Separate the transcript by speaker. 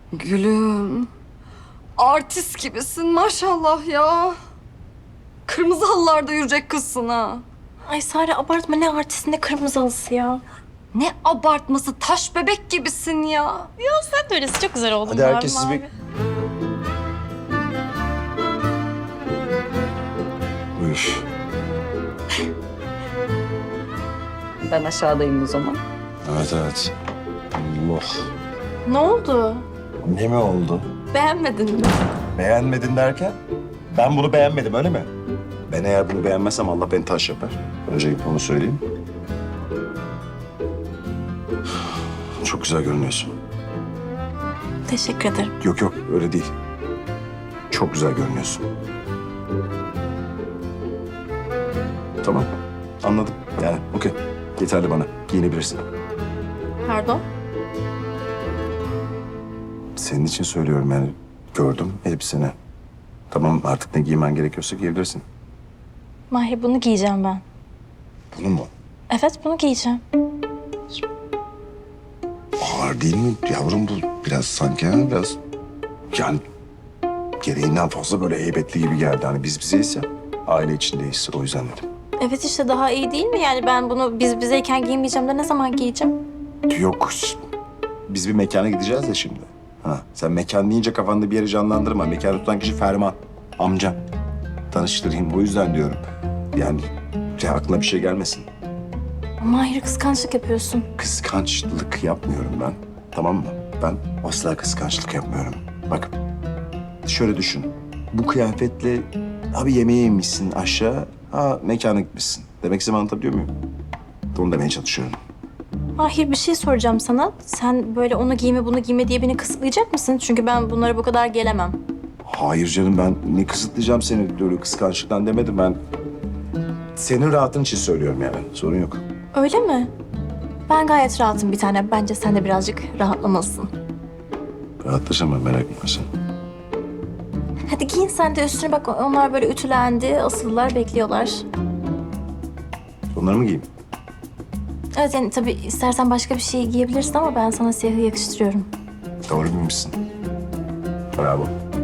Speaker 1: Gülüm. Artist gibisin maşallah ya. Kırmızı halılarda yürüyecek kızsın ha.
Speaker 2: Ay Sare abartma, ne artist ne kırmızı halısı ya.
Speaker 1: Ne abartması, taş bebek gibisin ya.
Speaker 2: Sen de öylesin, çok güzel oldun.
Speaker 3: Hadi herkes siz bir... Üf.
Speaker 1: Ben aşağıdayım o zaman.
Speaker 3: Evet evet. Allah.
Speaker 2: Ne oldu?
Speaker 3: Ne mi oldu?
Speaker 2: Beğenmedin mi?
Speaker 3: Beğenmedin derken? Ben bunu beğenmedim öyle mi? Ben eğer bunu beğenmezsem Allah beni taş yapar. Öncelikle onu söyleyeyim. Çok güzel görünüyorsun.
Speaker 2: Teşekkür ederim.
Speaker 3: Yok yok öyle değil. Çok güzel görünüyorsun. Tamam anladım yani okey. Yeterli bana giyinebilirsin.
Speaker 2: Pardon?
Speaker 3: Senin için söylüyorum yani gördüm elbiseni. Tamam artık ne giymen gerekiyorsa giyebilirsin.
Speaker 2: Mahir, bunu giyeceğim ben.
Speaker 3: Bunu mu?
Speaker 2: Evet, bunu giyeceğim.
Speaker 3: Ağır değil mi yavrum bu biraz sanki ha biraz yani gereğinden fazla böyle heybetli gibi geldi. Hani biz bizeyiz ya aile içindeyiz o yüzden dedim.
Speaker 2: Evet işte, daha iyi değil mi? Yani ben bunu biz bizeyken giymeyeceğim de ne zaman giyeceğim?
Speaker 3: Yok biz bir mekana gideceğiz ya şimdi. Ha, sen mekan deyince kafanda bir yeri canlandırma. Mekanı tutan kişi Ferman amcam. Tanıştırayım bu yüzden diyorum. Yani aklına bir şey gelmesin.
Speaker 2: Mahir, kıskançlık yapıyorsun.
Speaker 3: Kıskançlık yapmıyorum ben. Tamam mı? Ben asla kıskançlık yapmıyorum. Bak şöyle düşün. Bu kıyafetle abi yemeğe inmişsin aşağı, ha mekana gitmişsin. Demek istediğimi anlatabiliyor muyum? Onu demeye çalışıyorum.
Speaker 2: Mahir, bir şey soracağım sana. Sen böyle onu giyme bunu giyme diye beni kısıtlayacak mısın? Çünkü ben bunlara bu kadar gelemem.
Speaker 3: Hayır canım ben ne kısıtlayacağım seni böyle kıskançlıktan demedim ben. Senin rahatın için söylüyorum yani sorun yok.
Speaker 2: Öyle mi? Ben gayet rahatım bir tane. Bence sen de birazcık rahatlamalısın.
Speaker 3: Rahatlaşacağım ben merak etme sen.
Speaker 2: Hadi giyin sen de üstüne, bak onlar böyle ütülendi, asıllar, bekliyorlar.
Speaker 3: Onları mı giyeyim?
Speaker 2: Evet yani tabii istersen başka bir şey giyebilirsin ama ben sana siyahı yakıştırıyorum.
Speaker 3: Doğru bilmişsin. Bravo.